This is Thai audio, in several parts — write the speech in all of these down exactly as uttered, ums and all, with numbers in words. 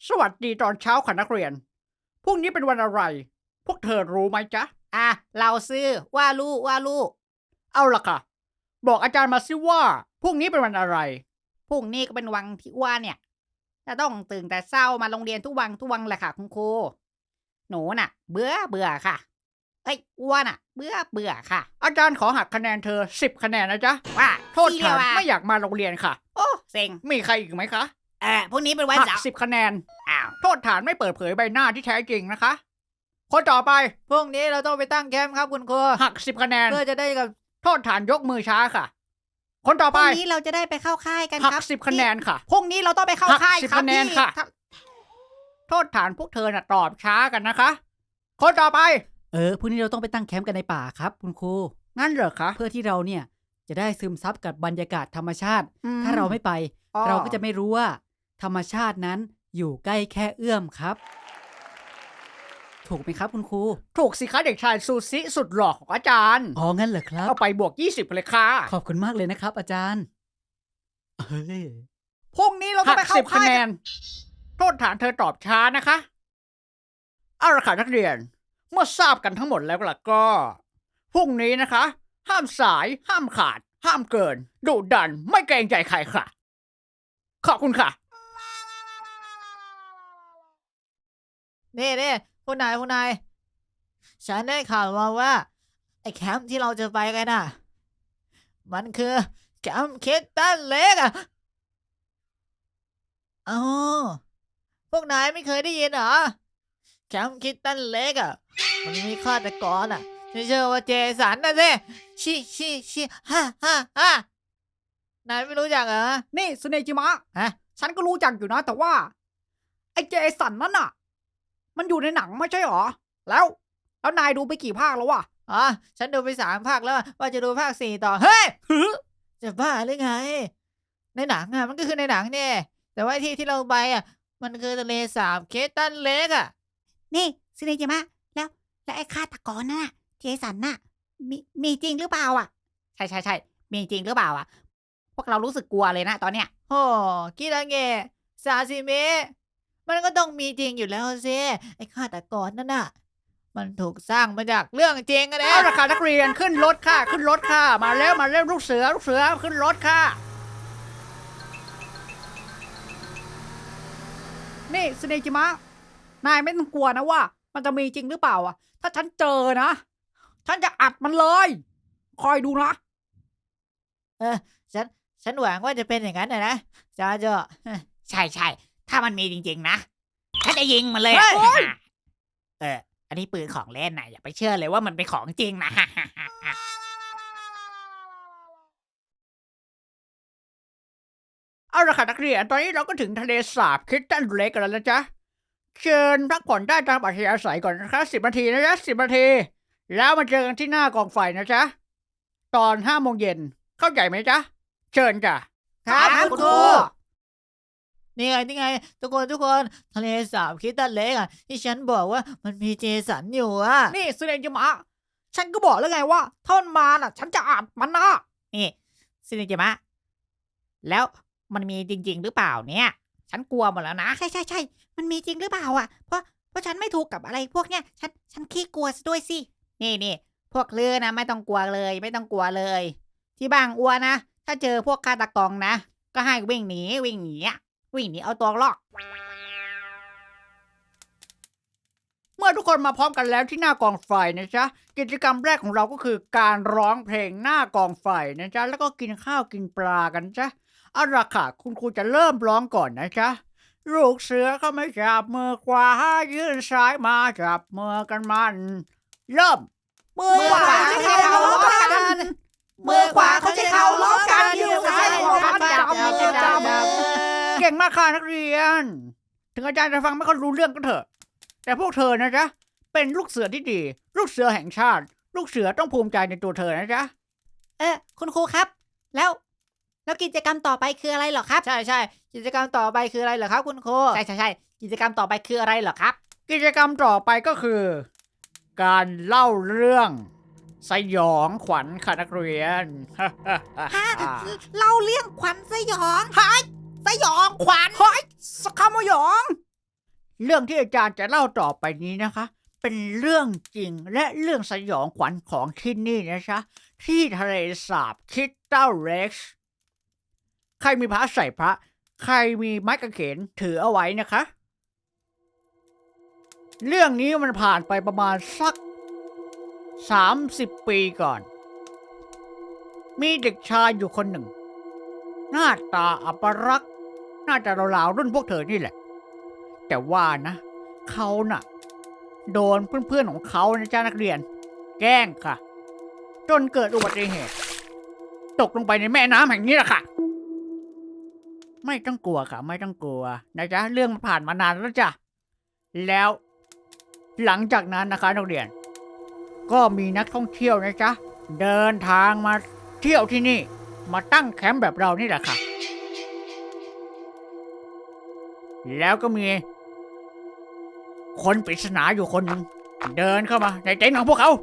สวัสดีตอนเช้าค่ะนักเรียนพรุ่งนี้เป็นวันอะไรพวกเธอรู้ไหมจ๊ะอ่ะเราซื้อว่าลูกว่าลูกเอาล่ะค่ะบอกอาจารย์มาสิว่าพรุ่งนี้เป็นวันอะไรพรุ่งนี้ก็เป็นวันที่อ้วนเนี่ยจะต้องตื่นแต่เช้ามาโรงเรียนทุกวันทุกวันแหละค่ะคุณครูหนูน่ะ เบื่อเบื่อค่ะเอ้ยอ้วนอ่ะ เบื่อเบื่อค่ะอาจารย์ขอหักคะแนนเธอสิบคะแนนนะจ๊ะว่าโทษฐานไม่อยากมาโรงเรียนค่ะโอ้เซ็งมีใครอีกไหมคะเออพรุ่งนี้เป็นวันหักเสาร์สิบคะแนนอ้าวโทษฐานไม่เปิดเผยใบหน้าที่แท้จริงนะคะคนต่อไปพรุ่งนี้เราต้องไปตั้งแคมป์ครับคุณครูหักสิบคะแนนเพื่อจะได้กับโทษฐานยกมือช้าค่ะคนต่อพไปรุ่งนี้เราจะได้ไปเข้าค่ายกันหัครับกสิบคะแนนค่ะพรุ่งนี้เราต้องไปเข้าค่ายหักสิบครับคะแนนพี่ค่ะ โทษฐานพวกเธอน่ะตอบช้ากันนะคะคนต่อไปเออพรุ่งนี้เราต้องไปตั้งแคมป์กันในป่าครับคุณครูงั้นเหรอคะเพื่อที่เราเนี่ยจะได้ซึมซับกับบรรยากาศธรรมชาติอืมถ้าเราไม่ไปอ๋อเราก็จะไม่รู้ว่า ธรรมชาตินั้นอยู่ใกล้แค่เอื้อมครับ ถูกไหมครับคุณครูถูกสิคะเด็กชายซูซิสุดหล่อของอาจารย์อ๋องั้นเหรอครับเอาไปบวกยี่สิบเลยค่ะขอบคุณมากเลยนะครับ อาจารย์เฮ้ยพรุ่งนี้เราต้หัองกไปเข้าสิบคะค่ายแนกันนโทษฐานเธอตอบช้านะคะเอาละค่ะนักเรียน เมื่อทราบกันทั้งหมดแล้วล่ะก็พรุ่งนี้นะคะ ห้ามสายห้ามขาด ห้ามเกินดุดันไม่เกรงใจใครค่ะ ขอบคุณค่ะนี่นี่คุณนายคุณนายฉันได้ข่าวมาว่าไอ้แคมป์ที่เราจะไปกันน่ะ มันคือแคมป์คิดตันเล็กอ่ะอ๋อพวกนายไม่เคยได้ยินเหรอแคมป์คิดตันเล็กอ่ะมันมีฆาตกรอ่ะที่ชื่อว่าเจสันนะสิชิชิชิฮ่าฮ่าฮ่านายไม่รู้จักเหรอนี่สุเนจิมะฮะฉันก็รู้จักอยู่นะ แต่ว่า ไอ้เจสันนั่นน่ะ มันอยู่ในหนังไม่ใช่หรอ แล้ว แล้วนายดูไปกี่ภาคแล้ววะอ๋อฉันดูไปสามภาคแล้วว่าจะดูภาคสี่ต่อเฮ้ย จะบ้าหรือไง ในหนังอ่ะมันก็คือในหนังเนี่ยแต่ว่าที่ที่เราไปอ่ะ มันคือทะเลสาบเคตันเล็กอ่ะ นี่ซิเนจิมะแล้ว แล้วไอ้ฆาตกรน่ะ เจสันน่ะ มีมีจริงหรือเปล่าอ่ะ ใช่ใช่ใช่มีจริงหรือเปล่าอ่ะ พวกเรารู้สึกกลัวเลยนะตอนเนี้ยโอ้คิดอะไรเงซาซิเมะมันก็ต้องมีจริงอยู่แล้วสิไอ้ฆาตกรนั่นน่ะ มันถูกสร้างมาจากเรื่องจริงอะเนี่ยเอาละค่ะนักเรียนขึ้นรถค่ะ ขึ้นรถค่ะ มาแล้วมาแล้วลูกเสือลูกเสือขึ้นรถค่ะ นี่สเนจิมะ นายไม่ต้องกลัวนะว่า มันจะมีจริงหรือเปล่าอ่ะ ถ้าฉันเจอนะ ฉันจะอัดมันเลย คอยดูนะเออฉันฉันหวังว่าจะเป็นอย่างนั้นนะนะจ้าเจ้าใช่ใช่ถ้ามันมีจริงๆนะฉันจะยิงมันเลยเฮ้ยเอออันนี้ปืนของเล่นนะอย่าไปเชื่อเลยว่ามันเป็นของจริงนะเอาละค่ะนักเรียน ตอนนี้เราก็ถึงทะเลสาบคิดตันเล็กกันแล้วนะจ๊ะ เชิญพักผ่อนได้ตามอัธยาศัยก่อนนะคะสิบนาทีนะจ๊ะสิบนาที แล้วมาเจอกันที่หน้ากองไฟนะจ๊ะ ตอนห้าโมงเย็น เข้าใจไหมจ๊ะ เชิญจ้ะครับคุณครูนี่ไงนี่ไง ทุกคนทุกคนทะเลสาบคิดตันเล็กอ่ะที่ฉันบอกว่ามันมีเจสันอยู่อ่ะนี่สุเนจิมะ ฉันก็บอกแล้วไงว่าถ้ามันมาน่ะ ฉันจะอัดมันนะนี่ซินิจิมะแล้วมันมีจริง ๆ หรือเปล่าเนี่ย ฉันกลัวหมดแล้วนะใช่ใช่ใช่มันมีจริงหรือเปล่าอ่ะเพราะเพราะฉันไม่ถูกกับอะไรพวกเนี้ยฉันฉันขี้กลัวซะด้วยสินี่นี่พวกเลือนะไม่ต้องกลัวเลย ไม่ต้องกลัวเลย ที่บางอัวนะถ้าเจอพวกฆาตกรนะก็ให้วิ่งหนีวิ่งหนีอะวิ่งหนีเอาตัวรอดเมื่อทุกคนมาพร้อมกันแล้วที่หน้ากองไฟนะจ๊ะ กิจกรรมแรกของเราก็คือการร้องเพลงหน้ากองไฟนะจ๊ะ แล้วก็กินข้าวกินปลากันจ๊ะเอาล่ะค่ะคุณครูจะเริ่มร้องก่อนนะจ๊ะ ลูกเสือเขาไม่จับมือขวายื่นซ้ายมาจับมือกันมัน เริ่มมือขวาเขาจะเข้าล้อกันมือขวาเขาจะเข้าล้อกันยืนซ้ายขวาจับมือจับมือเก่งมากค่ะนักเรียน ถึงอาจารย์จะฟังไม่ค่อยรู้เรื่องก็เถอะ แต่พวกเธอนะจ๊ะ เป็นลูกเสือที่ดี ลูกเสือแห่งชาติ ลูกเสือต้องภูมิใจในตัวเธอนะจ๊ะเออคุณครูครับ แล้ว แล้วกิจกรรมต่อไปคืออะไรเหรอครับ ใช่ใช่กิจกรรมต่อไปคืออะไรเหรอครับคุณครูใช่ใช่ใช่กิจกรรมต่อไปคืออะไรเหรอครับกิจกรรมต่อไปก็คือ การเล่าเรื่องสยองขวัญค่ะนักเรียนฮะ เล่าเรื่องขวัญสยองฮะสยองขวัญเฮ้ยสคามยองเรื่องที่อาจารย์จะเล่าต่อไปนี้นะคะ เป็นเรื่องจริงและเรื่องสยองขวัญของที่นี่นะคะที่ทะเลสาบคิตตัลเล็กซ์ใครมีพระใส่พระ ใครมีไม้กางเขนถือเอาไว้นะคะ เรื่องนี้มันผ่านไปประมาณสักสามสิบปีก่อน มีเด็กชายอยู่คนหนึ่ง หน้าตาอัปรักษณ์น่าจะราวๆรุ่นพวกเธอนี่แหละ แต่ว่านะเขาน่ะ โดนเพื่อนๆของเขานะจ้านักเรียน แกล้งค่ะ จนเกิดอุบัติเหตุ ตกลงไปในแม่น้ำแห่งนี้แหละค่ะ ไม่ต้องกลัวค่ะ ไม่ต้องกลัวนะจ๊ะเรื่องมันผ่านมานานแล้วจ้ะแล้วหลังจากนั้นนะคะนักเรียน ก็มีนักท่องเที่ยวนะจ๊ะเดินทางมาเที่ยวที่นี่ มาตั้งแคมป์แบบเรานี่แหละค่ะ แล้วก็มีคนปริศนาอยู่คนหนึ่งเดินเข้ามาในเต็นท์ของพวกเขา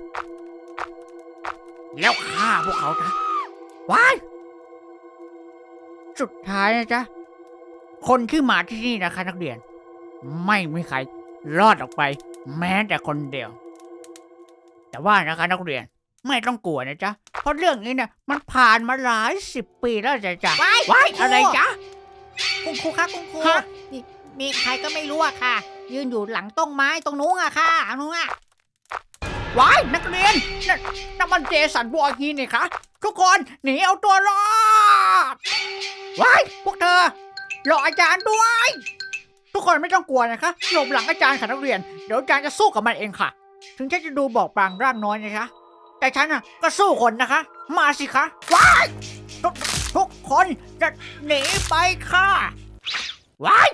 แล้วฆ่าพวกเขาจ้ะว้ายสุดท้ายนะจ๊ะคนที่มาที่นี่นะคะนักเรียน ไม่มีใครรอดออกไป แม้แต่คนเดียว แต่ว่านะคะนักเรียนไม่ต้องกลัวนะจ๊ะเพราะเรื่องนี้เนี่ยมันผ่านมาหลายสิบปีแล้วจ้ะจ้ะว้ายว้ายคุณครูอะไรจ๊ะคุณครูคะคุณครูฮะมีมีใครก็ไม่รู้อะค่ะ ยืนอยู่หลังต้นไม้ตรงนู้นอะค่ะนู้นอะว้ายนักเรียนนั่นนั่นมันเจสันบอร์ฮีนี่คะทุกคนหนีเอาตัวรอดว้ายพวกเธอรออาจารย์ด้วย ทุกคนไม่ต้องกลัวนะคะหลบหลังอาจารย์ค่ะนักเรียนเดี๋ยวอาจารย์จะสู้กับมันเองค่ะ ถึงฉันจะดูบอกปรางร่างน้อยนะคะแต่ฉันน่ะก็สู้คนนะคะ มาสิคะว้ายทุกทุกคนจะหนีไปค่ะว้าย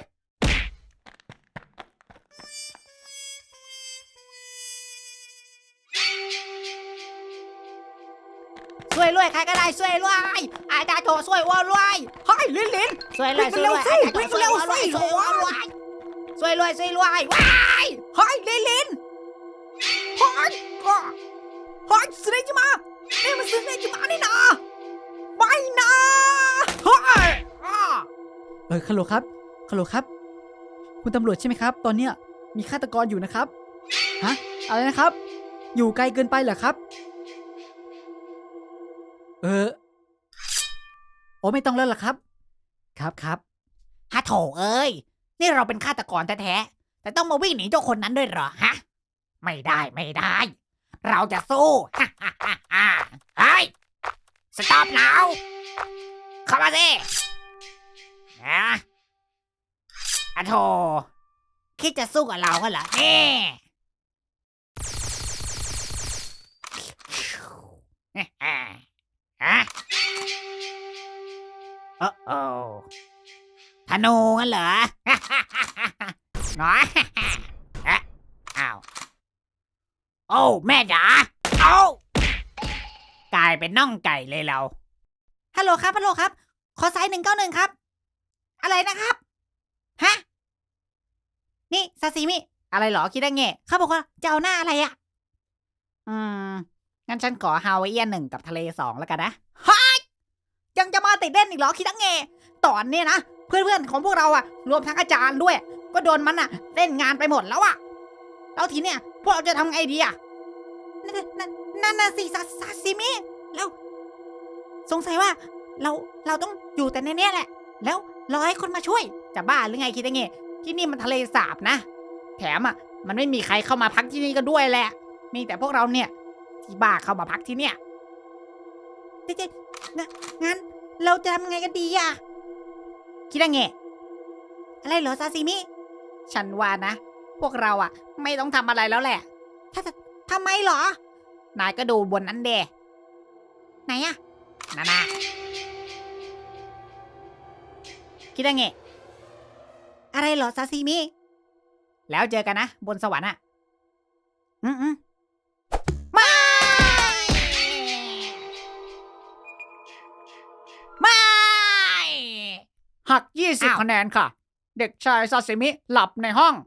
ช่วยรวยใครก็ได้ช่วยรวยอาจารย์โถช่วยอ้วนรวยเฮ้ยลินลินช่วยรวยช่วยรวยวิ่งเร็วสิอาจารย์โถช่วยอ้วนรวยช่วยรวยช่วยรวยว้ายเฮ้ยลินลินเฮ้ยก็เฮ้ยสเนจิมานี่มันสเนจิมานี่นะไม่นะเฮ้ยอ้าเออฮัลโหลครับฮัลโหลครับ คุณตำรวจใช่ไหมครับ ตอนเนี้ยมีฆาตกรอยู่นะครับ ฮะ อะไรนะครับ อยู่ไกลเกินไปเหรอครับ เออ โอ้ไม่ต้องแล้วล่ะครับ ครับครับฮะโถเอ้ยนี่เราเป็นฆาตกรแท้ๆแต่ต้องมาวิ่งหนีเจ้าคนนั้นด้วยเหรอฮะไม่ได้ไม่ได้ เราจะสู้ฮ่าฮ่าฮ่าฮ่าเฮ้ยสต็อปแล้วเข้ามาสินะอะโถคิดจะสู้กับเรากันเหรอนี่ฮ่าฮ่าฮะโอ้โอธนูงั้นเหรอ น้อยเอ๊ะอ้าวโอ้แม่จ๋าเอ้ากลายเป็นน่องไก่เลยเราฮัลโหลครับฮัลโหลครับ ขอสายหนึ่งเก้าหนึ่งครับ อะไรนะครับฮะนี่ซาซิมิอะไรเหรอคิดได้ไงเขาบอกว่าจะเอาหน้าอะไรอะอืมงั้นฉันขอฮาวายเอียนหนึ่งกับทะเลสองแล้วกันนะฮะยังจะมาติดเล่นอีกเหรอคิดได้ไงตอนนี้นะเพื่อนๆของพวกเราอะรวมทั้งอาจารย์ด้วย ก็โดนมันอะเล่นงานไปหมดแล้วอะแล้วทีเนี้ยพวกเราจะทำไงดีอะนั่นนั่นนั่นน่ะสิซาซาซิมิแล้วสงสัยว่า เราเราต้องอยู่แต่ในเนี้ยแหละ แล้วรอให้คนมาช่วยจะบ้าหรือไงคิดได้ไงที่นี่มันทะเลสาบนะแถมอะมันไม่มีใครเข้ามาพักที่นี่ก็ด้วยแหละมีแต่พวกเราเนี่ยที่บ้าเข้ามาพักที่เนี่ยเจ๊ๆนะงั้นเราจะทำไงกันดีอะคิดได้ไงอะไรเหรอซาซิมิฉันว่านะพวกเราอะไม่ต้องทำอะไรแล้วแหละถ้าทำไมเหรอนายก็ดูบนนั้นเดไหนอะนั่นนะคิดได้ไงอะไรเหรอซาซิมิแล้วเจอกันนะบนสวรรค์อะอืมอืมไม่ไม่หักยี่สิบอ้าวคะแนนค่ะ เด็กชายซาซิมิหลับในห้อง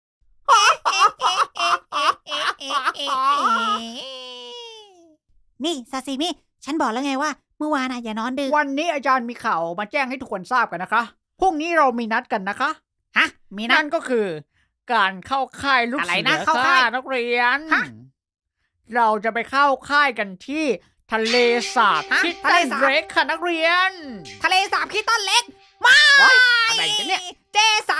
นี่ซาซิมิฉันบอกแล้วไงว่าเมื่อวานน่ะอย่านอนดึกวันนี้อาจารย์มีข่าวมาแจ้งให้ทุกคนทราบกันนะคะพรุ่งนี้เรามีนัดกันนะคะฮะ มีนะนั่นก็คือการเข้าค่ายลูกอะไรเสืนะอเข้าค่ะค่ายนักเรียนฮะเราจะไปเข้าค่ายกันที่ทะเลสาบฮะคิตทะตัเลนสาบเบรกค่ะนักเรียนทะเลสาบคิดต้นเล็กมาว้ายอะไรกันเนี่ยเจสัน